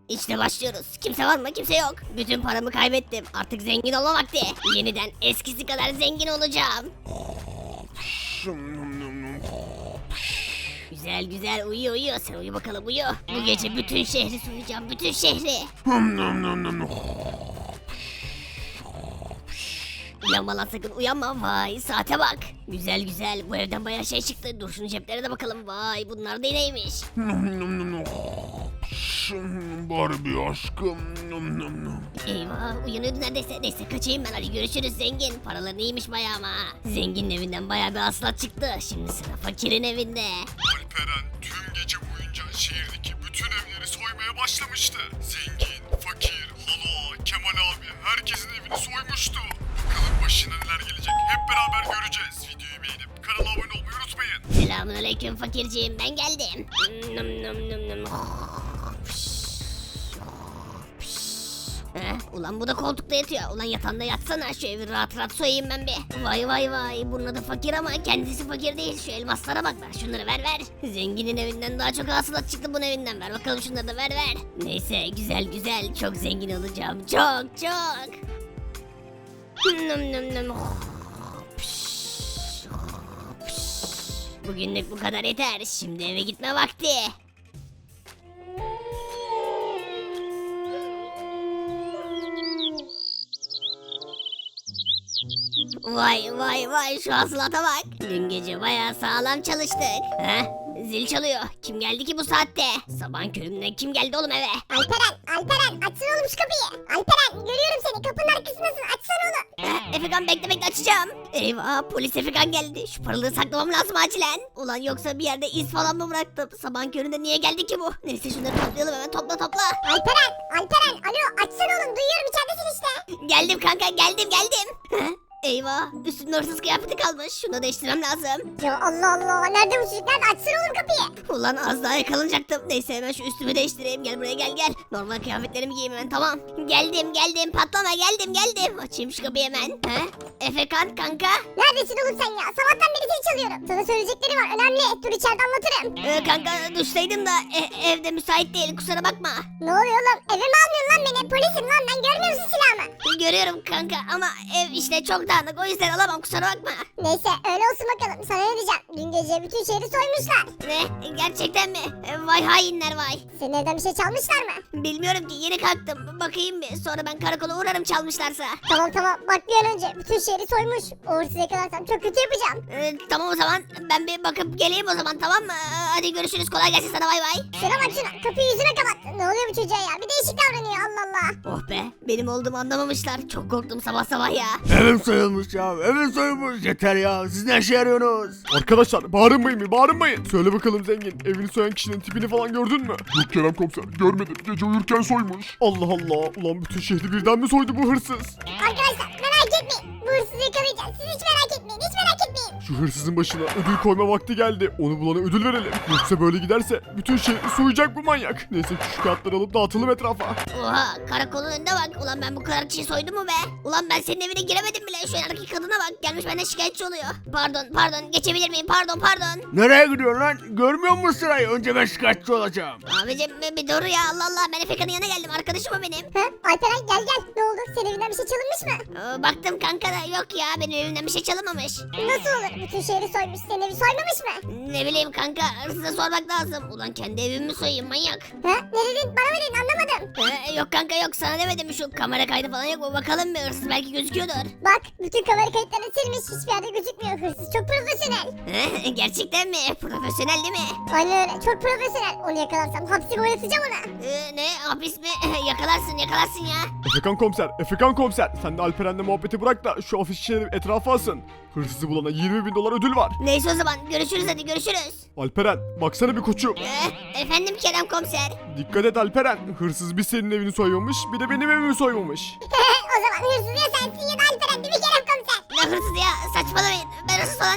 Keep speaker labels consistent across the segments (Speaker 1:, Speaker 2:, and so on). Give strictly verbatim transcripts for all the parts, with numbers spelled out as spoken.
Speaker 1: İşte başlıyoruz. Kimse var mı? Kimse yok. Bütün paramı kaybettim. Artık zengin olma vakti. Yeniden eskisi kadar zengin olacağım. Güzel güzel uyu uyu. Sen uyu bakalım uyu. Bu gece bütün şehri soyacağım. Bütün şehri. Uyanma lan sakın uyanma. Vay saate bak. Güzel güzel. Bu evden bayağı şey çıktı. Dur şunun ceplere de bakalım. Vay bunlar da neymiş?
Speaker 2: Barbie aşkım.
Speaker 1: Eyvah uyanıyordu neredeyse. Neyse kaçayım ben, hadi görüşürüz zengin. Paraların iyiymiş bayağı ama. Zenginin evinden bayağı bir hasılat çıktı. Şimdi sıra fakirin evinde.
Speaker 2: Alperen tüm gece boyunca şehirdeki bütün evleri soymaya başlamıştı. Zengin, fakir, hala, Kemal abi herkesin evini soymuştu. Bakalım başına neler gelecek hep beraber göreceğiz. Videoyu beğenip kanala abone olmayı unutmayın.
Speaker 1: Selamünaleyküm fakirciğim, ben geldim. Nım nım nım nım. Heh, ulan bu da koltukta yatıyor. Ulan yatağında yatsana, şu evi rahat rahat soyayım ben bir. Vay vay vay, bunun adı fakir ama kendisi fakir değil. Şu elmaslara bak, ver şunları, ver ver. Zenginin evinden daha çok hasılat çıktı bunun evinden, ver bakalım şunları da ver ver. Neyse güzel güzel, çok zengin olacağım, çok çok. Nım nım nım. Bugünlük bu kadar yeter. Şimdi eve gitme vakti. Vay vay vay, şu hasılata bak. Dün gece bayağı sağlam çalıştık. Heh, zil çalıyor. Kim geldi ki bu saatte? Sabahın köründen kim geldi oğlum eve?
Speaker 3: Alperen, Alperen açsana oğlum şu kapıyı. Alperen görüyorum seni, kapının arkasındasın, açsana oğlum.
Speaker 1: Heh, Efekan bekle bekle, açacağım. Eyvah, polis Efekan geldi. Şu paraları saklamam lazım acilen. Ulan yoksa bir yerde iz falan mı bıraktım? Sabahın köründe niye geldi ki bu? Neyse şunları toplayalım hemen, topla topla.
Speaker 3: Alperen, Alperen alo açsana oğlum, duyuyorum içeridesin işte.
Speaker 1: Geldim kanka, geldim geldim. Heh, eyvah, üstümde hırsız kıyafeti kalmış. Şunu da değiştirmem lazım.
Speaker 3: Ya Allah Allah, nerede bu çocuk, nerede, açsana oğlum kapıyı.
Speaker 1: Ulan az daha yakalanacaktım. Neyse hemen şu üstümü değiştireyim. Gel buraya, gel gel. Normal kıyafetlerimi giyeyim hemen, tamam. Geldim geldim, patlama, geldim geldim. Açayım şu kapıyı hemen. He? Efekan kanka.
Speaker 3: Neredesin oğlum sen ya, sabahtan beri seni çalıyorum. Sana söyleyecekleri var, önemli, dur içeride anlatırım.
Speaker 1: Ee, kanka duştaydım da e- evde müsait değil, kusura bakma.
Speaker 3: Ne oluyor oğlum, eve mi almıyorsun lan beni, polisim lan ben, görmüyor musun silahımı?
Speaker 1: Görüyorum kanka ama ev işte çok dağınık, o yüzden alamam, kusura bakma.
Speaker 3: Neyse öyle olsun bakalım, sana ne diyeceğim, dün gece bütün şehri soymuşlar.
Speaker 1: Ne? Gerçekten mi? E, Vay hainler vay.
Speaker 3: Senin evden bir şey çalmışlar mı?
Speaker 1: Bilmiyorum ki, yeni kalktım. Bakayım bir, sonra ben karakola uğrarım çalmışlarsa.
Speaker 3: Tamam tamam, bak bir an önce bütün şehri soymuş. O hırsızı yakalarsam çok kötü yapacağım.
Speaker 1: Ee, tamam o zaman, ben bir bakıp geleyim o zaman, tamam mı? Ee, Hadi görüşürüz, kolay gelsin sana, bay bay.
Speaker 3: Şuna bak şuna, kapıyı yüzüne kapat. Ne oluyor bu çocuğa ya, bir değişik davranıyor, Allah Allah.
Speaker 1: Oh be, benim olduğumu anlamamışlar. Çok korktum sabah sabah ya.
Speaker 4: Evim soyulmuş ya, evim soyulmuş. Yeter ya, siz ne işe yarıyorsunuz? Arkadaşlar bağırmayın mı, bağırmayın. Söyle bakalım zengin, evini soyan kişinin tipini falan gördün mü?
Speaker 2: Yok Kerem komiser görmedim, gece uyurken soymuş.
Speaker 4: Allah Allah, ulan bütün şehri birden mi soydu bu hırsız?
Speaker 3: Arkadaşlar merak etmeyin, bu hırsızı yakalayacağız. Siz hiç merak etmeyin, hiç merak etmeyin.
Speaker 4: Şu hırsızın başına ödül koyma vakti geldi. Onu bulana ödül verelim. Yoksa böyle giderse bütün şehri soyacak bu manyak. Neyse şu kağıtları alıp dağıtalım etrafa.
Speaker 1: Oha, karakolun önünde bak. Ulan ben bu kadar kişi soydum mu be? Ulan ben senin evine giremedim bile. Şu yanındaki kadına bak, gelmiş benden şikayetçi oluyor. Pardon pardon, geçebilir miyim? Pardon pardon.
Speaker 4: Nereye gidiyorsun lan? Görmüyor musun sırayı? Önce ben şikayetçi olacağım.
Speaker 1: Abicim bir, bir dur ya, Allah Allah, ben Efekan'ın yanına geldim, arkadaşım o benim.
Speaker 3: Ha? Alperen gel gel, ne oldu, senin evinden bir şey çalınmış mı?
Speaker 1: Ee, baktım kanka da yok ya, benim evimden bir şey çalınmamış.
Speaker 3: Nasıl olur, bütün şehri soymuş, senin evi soymamış mı?
Speaker 1: Ne bileyim kanka, size sormak lazım. Ulan kendi evimi soyayım manyak.
Speaker 3: Ha? Ne dedin, bana mı dedin, anlamadım.
Speaker 1: Ee, yok kanka yok, sana demedim, şu kamera kaydı falan yok mu, bakalım bir, hırsız belki gözüküyordur.
Speaker 3: Bak bütün kamera kayıtlarını silmiş, hiçbir yerde gözükmüyor, hırsız çok profesyonel.
Speaker 1: Ee, gerçekten mi? Profesyonel değil mi?
Speaker 3: Aynen öyle, çok profesyonel. Onu yakalarsam hapsi boyatacağım ona.
Speaker 1: Ee, ne? Hapis mi? yakalarsın yakalarsın ya.
Speaker 4: Efekan komiser, Efekan komiser. Sen de Alperen'le muhabbeti bırak da şu afişi çevirip etrafa asın. Hırsızı bulana yirmi bin dolar ödül var.
Speaker 1: Neyse o zaman, görüşürüz, hadi görüşürüz.
Speaker 4: Alperen, baksana bir koçum.
Speaker 1: Ee, efendim Kerem komiser.
Speaker 4: Dikkat et Alperen. Hırsız bir senin evini soymamış, bir de benim evimi soymamış.
Speaker 3: O zaman hırsız ya sensin ya da Alperen değil mi Kerem komiser?
Speaker 1: Ne hırsız ya, saçmalamayın, ben hırsız falan değilim.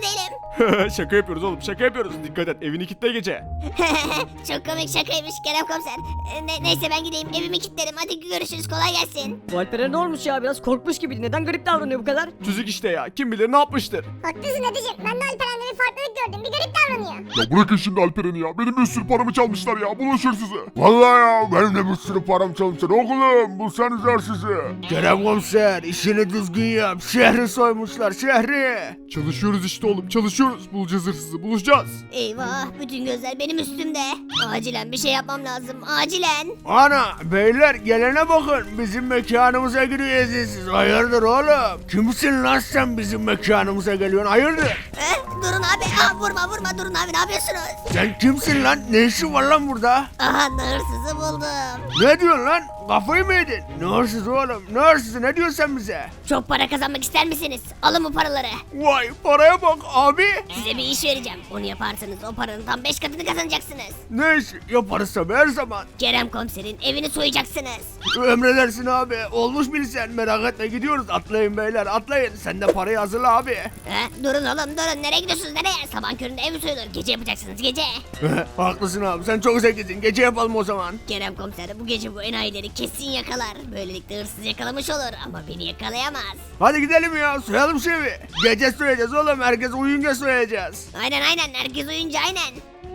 Speaker 4: Şaka yapıyoruz oğlum şaka yapıyoruz. Dikkat et evini kilitle gece.
Speaker 1: Çok komik şakaymış Kerem komiser. E, ne- neyse ben gideyim evimi kilitlerim. Hadi görüşürüz kolay gelsin.
Speaker 5: Bu Alper'e ne olmuş ya, biraz korkmuş gibiydi. Neden garip davranıyor bu kadar?
Speaker 4: Çocuk işte ya kim bilir ne yapmıştır.
Speaker 3: Haklısın dedeciğim. Ben de Alperen'de bir farklılık gördüm. Bir garip davranıyor.
Speaker 2: Ya bırakın şimdi Alperen'i ya. Benim bir sürü paramı çalmışlar ya. Bulun hırsızı. Vallahi ya benim de bir sürü param çalmışlar. Oğlum bulsanız hırsızı.
Speaker 4: Kerem komiser işini düzgün yap. Şehri soymuşlar şehri. Çalışıyoruz işte oğlum çalışıyoruz. Bulacağız hırsızı bulacağız.
Speaker 1: Eyvah bütün gözler benim üstümde. Acilen bir şey yapmam lazım acilen.
Speaker 4: Ana beyler gelene bakın bizim mekanımıza giriyorsunuz siz. Hayırdır oğlum? Kimsin lan sen bizim mekanımıza geliyorsun hayırdır?
Speaker 1: Eh, durun abi Aa, vurma vurma durun abi ne yapıyorsunuz?
Speaker 4: Sen kimsin lan? Ne işin var lan burada?
Speaker 1: Aha hırsızı buldum.
Speaker 4: Ne diyorsun lan? Kafayı mı yedin? Ne hırsızı oğlum? Ne hırsızı? Ne diyorsun sen bize?
Speaker 1: Çok para kazanmak ister misiniz? Alın bu paraları.
Speaker 4: Vay paraya bak abi.
Speaker 1: Size bir iş vereceğim. Onu yaparsanız o paranın tam beş katını kazanacaksınız.
Speaker 4: Ne işi? Yaparız tabii her zaman.
Speaker 1: Kerem komiserin evini soyacaksınız.
Speaker 4: Emredersin abi. Olmuş bilsen merak etme gidiyoruz. Atlayın beyler atlayın. Sen de parayı hazırla abi.
Speaker 1: Eh, durun oğlum durun nereye gidiyorsunuz nereye? Sabah köründe ev mi soyulur? Gece yapacaksınız gece.
Speaker 4: Haklısın abi sen çok zekisin. Gece yapalım o zaman.
Speaker 1: Kerem komiser bu gece bu enayileri kesin yakalar. Böylelikle hırsız yakalamış olur ama beni yakalayamaz.
Speaker 4: Hadi gidelim ya soyalım şu evi. Gece soyacağız oğlum. Herkes uyuyunca soyacağız.
Speaker 1: Aynen aynen herkes uyunca aynen.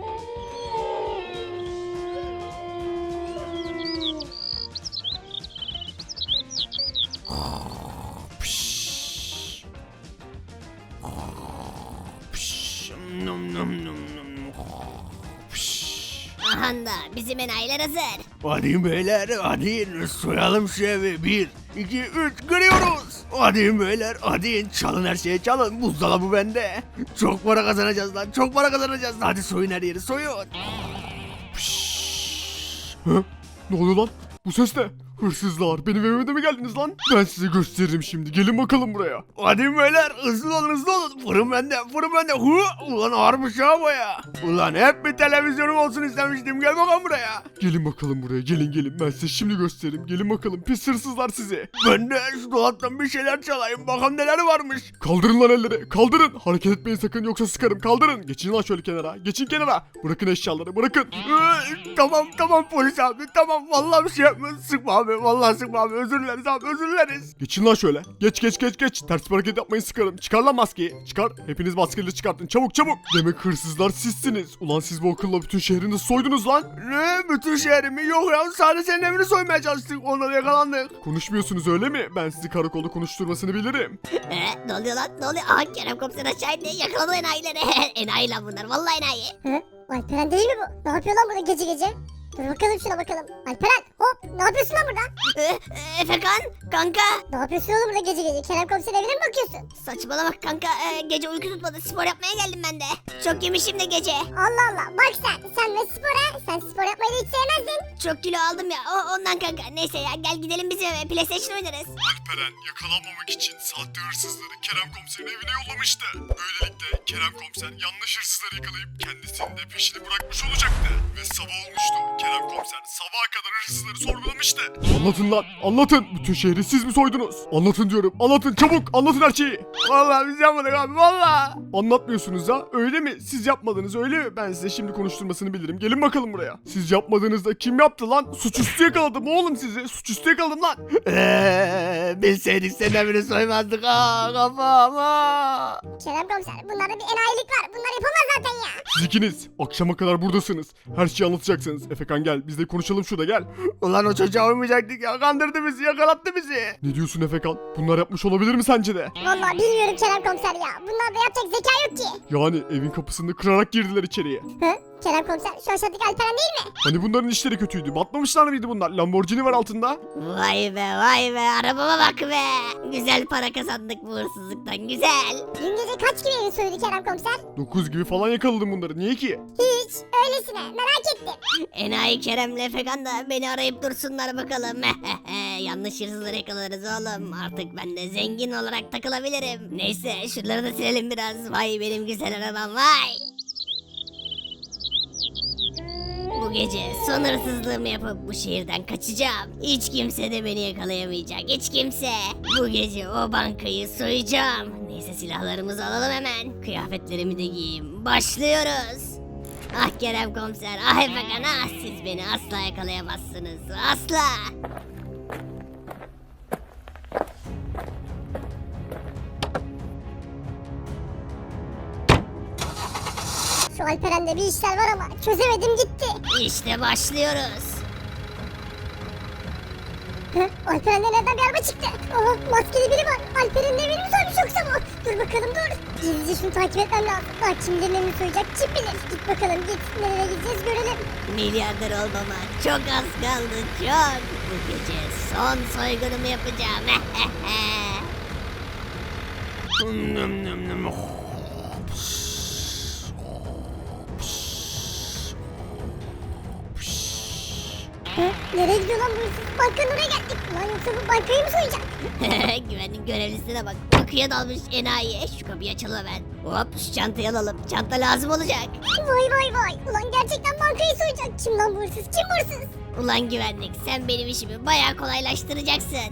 Speaker 4: Num num num num.
Speaker 1: Aha da bizim enayiler hazır.
Speaker 4: Hadi beyler hadi soyalım şu evi. Bir, iki, üç giriyoruz. Hadi beyler hadi çalın her şeyi çalın. Buzdolabı bende. Çok para kazanacağız lan çok para kazanacağız. Hadi soyun her yeri soyun. Hı? Ne oluyor lan? Bu ses ne? Hırsızlar benim evime de mi geldiniz lan? Ben size gösteririm şimdi gelin bakalım buraya. Hadi beyler hızlı olun hızlı olun. Fırın bende fırın bende. Hı? Ulan ağırmış ha baya. Ulan hep bir televizyonum olsun istemiştim gel bakalım buraya. Gelin bakalım buraya gelin gelin ben size şimdi göstereyim. Gelin bakalım pis hırsızlar sizi. Ben de şu dolaptan bir şeyler çalayım bakalım neler varmış. Kaldırın lan elleri kaldırın. Hareket etmeyin sakın yoksa sıkarım kaldırın. Geçin lan şöyle kenara geçin kenara. Bırakın eşyaları bırakın. Ee, tamam tamam polis abi tamam vallahi bir şey yapmıyorum. Sıkma abi vallahi sıkma abi özür dileriz abi özür dileriz. Geçin lan şöyle. Geç geç geç geç. Ters bir hareket yapmayın sıkarım. Çıkar lan maskeyi. Çıkar. Hepiniz maskeleri çıkartın çabuk çabuk. Demek hırsızlar sizsiniz. Ulan siz bu akılla bütün şehri nasıl soydunuz lan? Ne? Bütün şehrimi? Yok ya sadece senin evini soymaya çalıştık. Onları yakalandık. Konuşmuyorsunuz öyle mi? Ben sizi karakolda konuşturmasını bilirim.
Speaker 1: Eh, ne oluyor lan ne oluyor? Aha Kerem komiser aşağı indi yakaladı enayileri. Enayi lan bunlar vallahi enayi.
Speaker 3: Hı? Alperen değil mi bu? Ne yapıyor lan burada gece gece? Dur bakalım şuna bakalım. Alperen hop ne yapıyorsun lan burada?
Speaker 1: Eh, eh, Efekan kanka.
Speaker 3: Ne yapıyorsun oğlum burada gece gece? Kerem komiserin evine mi bakıyorsun?
Speaker 1: Saçmalama kanka eh, gece uyku tutmadı spor yapmaya geldim ben de. Çok yemişim de gece.
Speaker 3: Allah Allah bak sen. Sen ve spora. Sen spor yapmayı da hiç sevmezdin.
Speaker 1: Çok kilo aldım ya o, ondan kanka. Neyse ya gel gidelim bizim eve PlayStation oynarız.
Speaker 2: Alperen yakalanmamak için sahte hırsızları Kerem komiserin evine yollamıştı. Böylelikle Kerem komiser yanlış hırsızları yakalayıp kendisinin de peşini bırakmış olacaktı. Ve sabah olmuştu. Kerem komiser sabaha kadar hırsızları sorgulamıştı.
Speaker 4: Anlatın lan anlatın. Bütün şehri siz mi soydunuz? Anlatın diyorum anlatın çabuk anlatın her şeyi. Vallahi biz yapmadık abi vallahi. Anlatmıyorsunuz ha öyle mi? Siz yapmadınız öyle mi? Ben size şimdi konuşturmasını bilirim. Gelin bakalım buraya. Siz yapmadığınızda kim yaptı lan? Suçüstü yakaladım oğlum sizi. Suçüstü yakaladım lan. Eee bilseydik senin evini soymazdık ha kafama.
Speaker 3: Kerem komiser bunlarda bir enayilik var. Bunlar yapamaz zaten ya.
Speaker 4: Siz ikiniz akşama kadar buradasınız. Her şeyi anlatacaksınız. Efekan gel biz de konuşalım şurada gel. Ulan o çocuğa uymayacaktık ya. Kandırdı bizi yakalattı bizi. Ne diyorsun Efekan? Bunlar yapmış olabilir mi sence de?
Speaker 3: Vallahi bilmiyorum Kerem komiser ya. Bunlarda yapacak zeka yok ki.
Speaker 4: Yani evin kapısını kırarak girdiler içeriye.
Speaker 3: Hı? Kerem komiser şu aşağıdaki Alperen değil mi?
Speaker 4: Hani bunların işleri kötüydü. Batmamışlar mıydı bunlar? Lamborghini var altında.
Speaker 1: Vay be vay be arabama bak be. Güzel para kazandık bu hırsızlıktan güzel.
Speaker 3: Dün gece kaç gibi evi soydu Kerem komiser?
Speaker 4: dokuz gibi falan yakaladım bunları. Niye ki?
Speaker 3: Hiç. Öylesine merak ettim.
Speaker 1: Enayi Kerem'le Efekan da beni arayıp dursunlar bakalım. Yanlış hırsızları yakalarız oğlum. Artık ben de zengin olarak takılabilirim. Neyse şunları da silelim biraz. Vay benim güzel arabam vay. Bu gece son hırsızlığımı yapıp bu şehirden kaçacağım. Hiç kimse de beni yakalayamayacak. Hiç kimse. Bu gece o bankayı soyacağım. Neyse Neyse silahlarımızı alalım hemen. Kıyafetlerimi de giyeyim. Başlıyoruz. Ah Kerem komiser, ah Efekan, ah siz beni asla yakalayamazsınız. Asla.
Speaker 3: Şu Alperen'de bir işler var ama çözemedim gitti.
Speaker 1: İşte başlıyoruz.
Speaker 3: Hı? Alperen'de nereden bir araba çıktı? Oha maskeli biri var. Alperen'in evini mi soymuş yoksa bu? Dur bakalım dur. Gizlice şunu takip etmem lazım. Bak kimlerin evini soyacak kim bilir. Git bakalım git. Nereye gideceğiz görelim.
Speaker 1: Milyarder olmama çok az kaldı, çok. Bu gece son soygunumu yapacağım.
Speaker 4: Nım nım nım.
Speaker 3: Hı? Nereye gidiyor lan bu hırsız? Bankanın oraya geldik. Lan yoksa bu bankayı mı soyacak?
Speaker 1: Güvenlik görevlisine bak. Bakıya dalmış enayi. Şu kapıyı açalım hemen. Hop şu çantayı alalım. Çanta lazım olacak.
Speaker 3: Vay vay vay. Ulan gerçekten bankayı soyacak. Kim lan bu hırsız? Kim bu hırsız?
Speaker 1: Ulan güvenlik sen benim işimi bayağı kolaylaştıracaksın.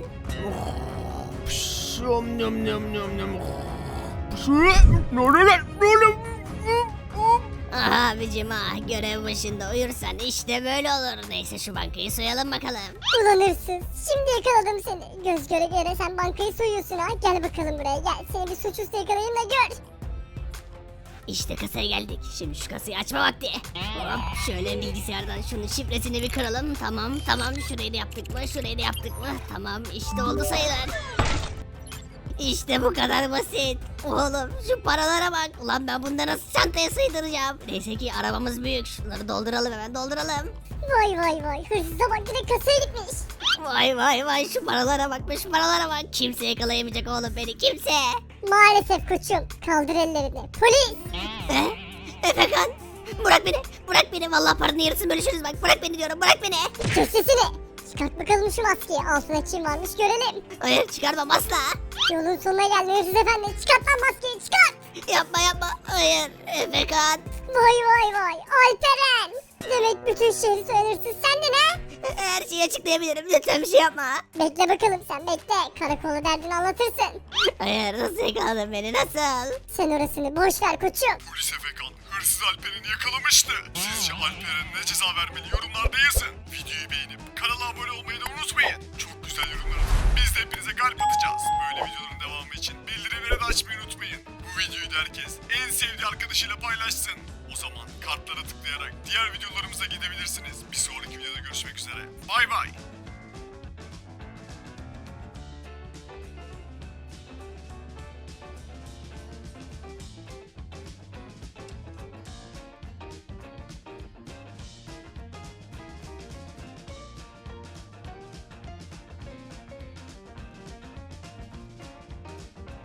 Speaker 4: Nım nım nım nım nım. Ne oluyor lan? Ne oluyor?
Speaker 1: Aha abicim ah görev başında uyursan işte böyle olur. Neyse şu bankayı soyalım bakalım.
Speaker 3: Ulan hırsız. Şimdi yakaladım seni. Göz göre göre sen bankayı soyuyorsun ha. Gel bakalım buraya gel. Seni bir suçüstü yakalayayım da gör.
Speaker 1: İşte kasaya geldik. Şimdi şu kasayı açma vakti. Hop şöyle bilgisayardan şunun şifresini bir kıralım. Tamam tamam şurayı da yaptık mı? Şurayı da yaptık mı? Tamam işte oldu sayılır. İşte bu kadar basit. Oğlum şu paralara bak. Ulan ben bunları nasıl çantaya sığdıracağım? Neyse ki arabamız büyük. Şunları dolduralım hemen dolduralım.
Speaker 3: Vay vay vay. Hırsıza bak direkt kasaya gitmiş.
Speaker 1: Vay vay vay şu paralara bak be şu paralara bak. Kimse yakalayamayacak oğlum beni kimse.
Speaker 3: Maalesef koçum. Kaldır ellerini. Polis.
Speaker 1: Eh, Efekan bırak beni bırak beni. Vallahi paranın yarısını bölüşürüz bak. Bırak beni diyorum bırak beni.
Speaker 3: Kes sesini. Çıkart bakalım şu maskeyi. Altına kim varmış görelim.
Speaker 1: Hayır çıkarmam asla.
Speaker 3: Yolun sonuna geldi hırsız efendi. Çıkart lan maskeyi çıkart.
Speaker 1: Yapma yapma. Hayır Efekan.
Speaker 3: Vay vay vay. Alperen. Demek bütün şehri soyan hırsız sendin ha?
Speaker 1: Her şeyi açıklayabilirim. Lütfen bir şey yapma.
Speaker 3: Bekle bakalım sen bekle. Karakola derdini anlatırsın.
Speaker 1: Hayır nasıl yakaladın beni nasıl?
Speaker 3: Sen orasını boş ver koçum.
Speaker 2: Polis Efekan hırsız Alperen'i yakalamıştı. Sizce Alperen ne ceza vermeli yorumlarda yazın. Videoyu beğenip kanala abone olmayı da unutmayın. Çok güzel yorumlar atın. Biz de hepinize kalp atacağız. Böyle videoların devamı için bildirimleri de açmayı unutmayın. Bu videoyu da herkes en sevdiği arkadaşıyla paylaşsın. O zaman kartlara tıklayarak diğer videolarımıza gidebilirsiniz. Bir sonraki videoda görüşmek üzere. Bay bay.